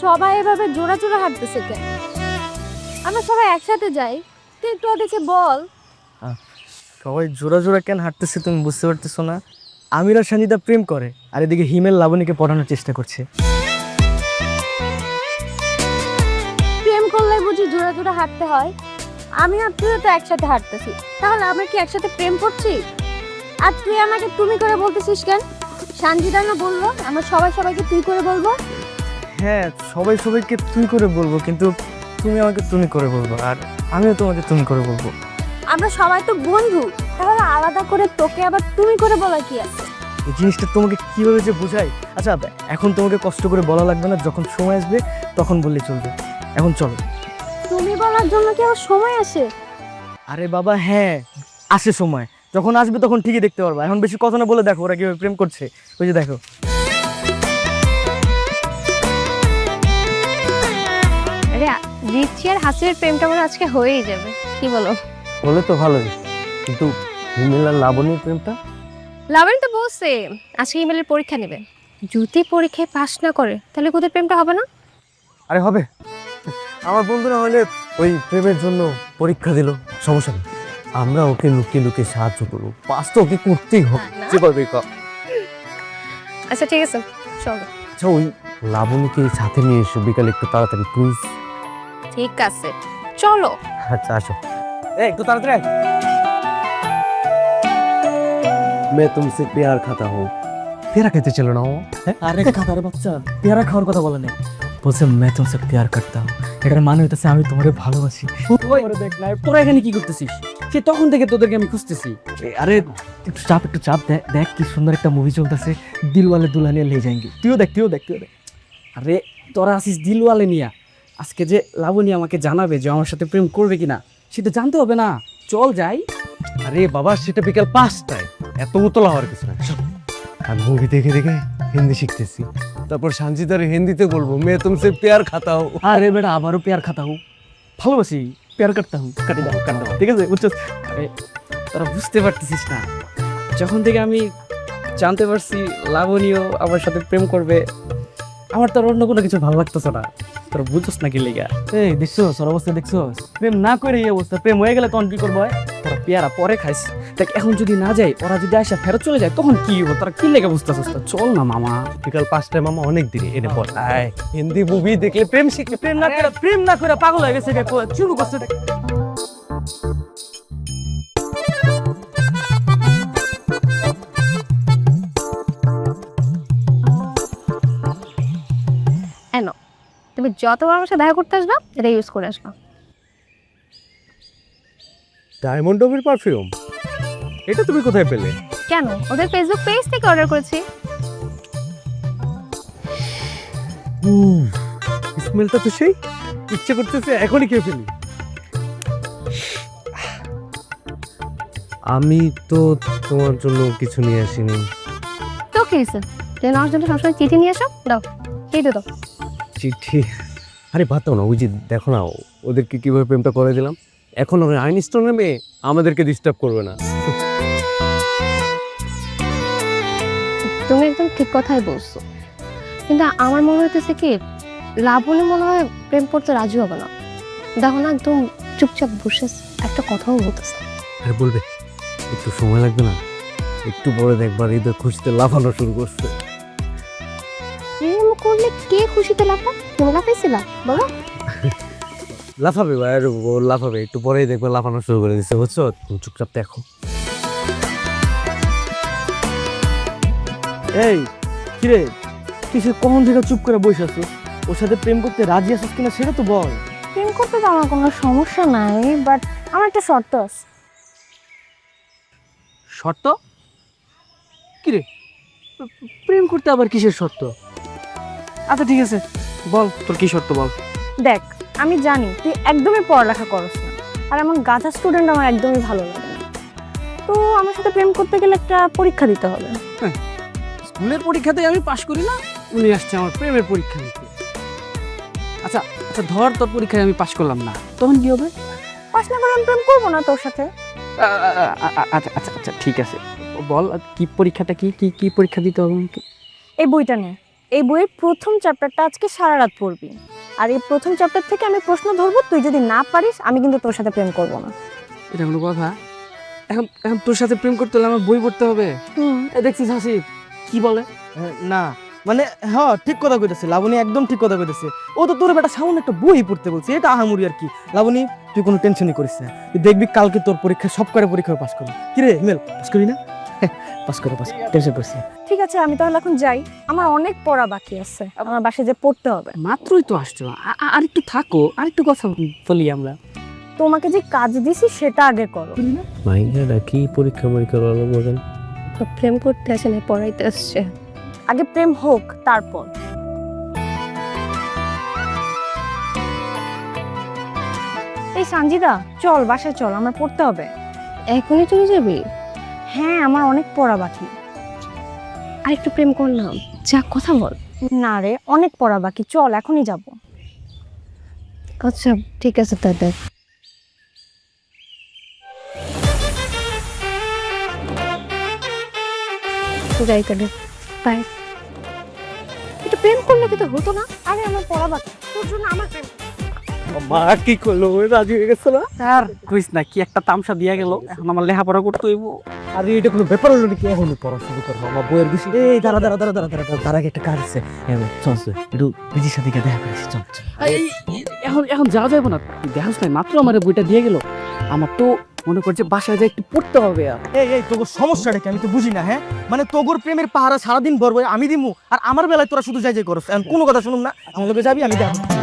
সবাই এভাবে জোড়া জোড়া হাঁটতেছে কেন? আমরা সবাই একসাথে যাই, তুই একটু ওদেরকে বল। সবাই জোড়া জোড়া কেন হাঁটতেছে তুমি বুঝতে পারতেছো না? আমির আর সঞ্জিতা প্রেম করে, আর এদিকে হিমেল লাবণীকে পড়ানোর চেষ্টা করছে। প্রেম করলে বুঝি জোড়া জোড়া হাঁটতে হয়? আমি আর তুই তো একসাথে হাঁটতেছি, তাহলে আমরা কি একসাথে প্রেম করছি? আর তুই আমাকে তুমি করে বলতেছিস কেন? সঞ্জিতা না বললো আমরা সবাই সবাইকে তুই করে বলবো? হ্যাঁ, সবাই সবাইকে তুই করে বলবো, কিন্তু তুমি আমাকে তুমি করে বলবো, আর আমিও তোমাকে তুমি করে বলবো। আমরা সবাই তো বন্ধু, তাহলে আলাদা করে তোকে আবার তুমি করে বলা কি আছে? এই জিনিসটা তোমাকে কিভাবে যে বোঝাই। আচ্ছা, এখন তোমাকে কষ্ট করে বলা লাগবে না, যখন সময় আসবে তখন বললে চলবে। এখন চলো। তুমি বলার জন্য কি আবার সময় আসে? আরে বাবা হ্যাঁ, আসে সময়, যখন আসবে তখন ঠিকই দেখতে পারবা। এখন বেশি কথা না বলে দেখো ওরা কিভাবে প্রেম করছে, ওই যে দেখো। আরে রিচি আর হাসির প্রেমটা আমার আজকে হয়েই যাবে, কি বলো? বলে তো ভালোই, কিন্তু হিমেল আর লাবণীর প্রেমটা? লাবণী তো বলছে আজকে ইমেলের পরীক্ষা নেবে, যদি পরীক্ষায় পাশ না করে তাহলে ওদের প্রেমটা হবে না। আরে হবে, আমার বন্ধুরা হলে ওই প্রেমের জন্য পরীক্ষা দিল, সমস্যা নেই, আমরা ওকে লুকিয়ে লুকিয়ে সাহায্য করবো, পাস তো ওকে করতেই হবে। যে পারবে আচ্ছা ঠিক আছে, চলো। আচ্ছা, ওই লাবণীকে সাথে নিয়ে এসো বিকালে একটু তাড়াতাড়ি প্লিজ। ঠিক আছে চলো। আচ্ছা আসো, একটু তাড়াতাড়ি। मैं तुमसे प्यार खाता हूँ। পেয়ারা খেতে ছিল না ও? আরে খাতার বাচ্চা, পেয়ারা খাওয়ার কথা বলে নাই, বলছে मैं तुमसे प्यार करता हूँ। এটার মানে হইতাছে আমি তোমারে ভালোবাসি। দেখ না, তোরা এখানে কি করতেছিস? সে তখন থেকে তোদেরকে আমি খুঁজতেছি। আরে একটু চাপ দেখ কি সুন্দর একটা মুভি চলতেছে, দিলওয়ালে দুলহানিয়া লে যাएंगे। তুইও দেখ। আরে তোরা আসিস দিলওয়ালে নিয়া, আজকে যে লাবণী আমাকে জানাবে যে আমার সাথে প্রেম করবে কিনা সেটা জানতে হবে না, চল যাই। আরে বাবা, সেটা বিকাল 5টায়, এত উতলা হওয়ার কিছু না। আমি মুভি দেখে দেখে হিন্দি শিখতেছি, তারপর সানজিদারে হিন্দিতে বলবো मैं तुमसे प्यार खाता हूँ। আরে বেটা আবারও প্যার খাতা হুঁ, ভালোবাসি প্যার করতা হুঁ, কাটি দাও ঠিক আছে বুঝছো? আরে তোরা বুঝতে পারতেছিস না, যখন থেকে আমি জানতে পারছি লাবণীও আমার সাথে প্রেম করবে, আমার তো আর অন্য কোনো কিছু ভালো লাগতেছে না। তোরা বুঝছস না কি লেগা? এই দেখছো সর অবস্থা দেখছো, প্রেম না করে এই অবস্থা, প্রেম হয়ে গেলে তখন কি করবো? তোরা পেয়ারা পরে খাইস, দেখ এখন যদি না যায়, ওরা যদি আসা ফেরত চলে যায় তখন কি হবো? তোরা কি লেগে বুঝতেছিস? চল না মামা। বিকাল 5টায় মামা অনেক দিনে এনে পড়। আয়, হিন্দি মুভি দেখলে প্রেম শিখলে। প্রেম না করে পাগল হয়ে গেছে, শুরু করছে। এনো, তুমি যতবার আমার সাথে দেখা করতে আসবা এটা ইউজ করে আসবা। ডায়মন্ড ডবের পারফিউম, এটা তুমি কোথায় পেলে? কেন? ওদের ফেসবুক পেজ থেকে অর্ডার করেছি। স্মেলটা তো সেই, ইচ্ছে করতেছে এখনই খেয়ে ফেলি। আমি তো তোমার জন্য কিছু নিয়ে আসিনি। তো কি হয়েছে? তুমি আমার জন্য সবসময় চিঠি নিয়ে আসো, দাও এই দাও। চিঠি? আরে বাদ দাও না, ওই যে দেখো না ওদেরকে কিভাবে প্রেমটা করে দিলাম। এখন ওই আইনস্টোনের মেয়ে আমাদেরকে ডিস্টার্ব করবে না। তুমি একদম ঠিক কথাই বলছো, কিন্তু আমার মনে হইতেছে কি লাবণী মনে হয় প্রেম করতে রাজি হবে না। দেখো না একদম চুপচাপ বসে একটা কথাও বলতেছে। আরে বলবে, একটু সময় লাগবে না? একটু পরে দেখবার ঈদের খুশিতে লাফানো শুরু করছে। প্রেম করলে কে খুশিতে লাফায়? তুমি লাফাইছিলা বলো? লাফাবে ভাই, ও লাফাবে, একটু পরেই দেখবে লাফানো শুরু করে দিচ্ছে, বুঝছো? তুমি চুপচাপ দেখো। এই কিরে, কিসে কখন থেকে চুপ করে বসে আছো? ওর সাথে প্রেম করতে রাজি আছিস কিনা সেটা তো বল। প্রেম করতে তো আমার কোনো সমস্যা নাই, বাট আমার একটা শর্ত আছে। শর্ত? কিরে, প্রেম করতে আবার কিসের শর্ত? আচ্ছা ঠিক আছে, বল তোর কি শর্ত বল। দেখ, আমি জানি তুই একদমই পড়ালেখা করস না, আর আমার গাধা স্টুডেন্ট আমার একদমই ভালো লাগে না, তো আমার সাথে প্রেম করতে গেলে একটা পরীক্ষা দিতে হবে। স্কুলের পরীক্ষাতে আমি পাশ করি না, উনি আসছে আমার প্রেমের পরীক্ষা নিতে। আচ্ছা আচ্ছা, ধর তোর পরীক্ষায় আমি পাশ করলাম না, তখন কি হবে? পাশ না করে আমি প্রেম করবো না তোর সাথে। আচ্ছা আচ্ছা আচ্ছা ঠিক আছে, বল কি পরীক্ষাটা, কি কি কি পরীক্ষা দিতে হবে আমাকে? এই বইটা নে, এই বইয়ের প্রথম চ্যাপ্টারটা আজকে সারা রাত পড়বি, আর এই প্রথম চ্যাপ্টার থেকে আমি প্রশ্ন ধরবো, তুই যদি না পারিস আমি কিন্তু তোর সাথে প্রেম করব না। এটা কোনো কথা? এখন এখন তোর সাথে প্রেম করতে হলে আমার বই পড়তে হবে? দেখছিস হাসিব কি বলে? না মানে হ্যাঁ ঠিক কথা কইতেছে লাবণী, একদম ঠিক কথা কইতেছে। ও তো তোর বেটা সামনে একটা বই পড়তে বলছে, এটা আহামরি আর কি। লাবণী তুই কোনো টেনশনই করিস না, তুই দেখবি কালকে তোর পরীক্ষা সব করে পরীক্ষায় পাস করবি। কি রে হিমেল, পাস করবি না? পাস করে টেনশন করছিস না। ঠিক আছে, আমি তাহলে এখন যাই, আমার অনেক পড়া বাকি আছে, আমার বাসায় যে পড়তে হবে। মাত্রই তো আসছো, আর একটু থাকো, আর একটু কথা বলি আমরা। তোমাকে যে কাজ দিছি সেটা আগে করো। মাইয়ারা কি পরীক্ষা বলো বলেন? তো প্রেম করতে আসে না, পড়াইতে আসছে। আগে প্রেম হোক তারপর। এই সঞ্জিদা চল বাসায় চল, আমার পড়তে হবে। এখনই চলে যাবি? হ্যাঁ, আমার অনেক পড়া বাকি। আর একটু প্রেম করলাম, যা কথা বল। না রে, অনেক পড়া বাকি, চল এখনই যাব। আচ্ছা ঠিক আছে তাই। যাই তাহলে, বাই। এটা প্রেম করলে কি তো হতো না? আরে আমার পড়া বাকি, তোর জন্য আমার প্রেম। মা কি করলো, রাজি হয়ে গেছে না? আর কইস না, কি একটা তামসা দিয়া গেল, এখন আমার লেখাপড়া করতে হইব। আর এটা কোনো ব্যাপার হলো নাকি? এখনই পড়া শুরু করবো, আমার বইয়ের বিষয়। এই দাঁড়া দাঁড়া দাঁড়া দাঁড়া দাঁড়া, তার আগে একটা কাজ আছে। চল চল একটু বিজির সাথে গিয়ে দেখা করিস, চল চল। এখন এখন যাওয়া যাবে না, তুই দেখাস নাই মাত্র আমার বইটা দিয়ে গেল। আমার তো মনে করছে বাসায় যাই একটু পড়তে হবে। আর এই তোর সমস্যাটা কি আমি তো বুঝি না। হ্যাঁ মানে তোর প্রেমের পাহারা সারাদিন ভরবো আমি দিমু, আর আমার বেলায় তোরা শুধু যাই যাই করস। এখন কোনো কথা শুনুম না, আমার লোকে যাবি, আমি দেখো।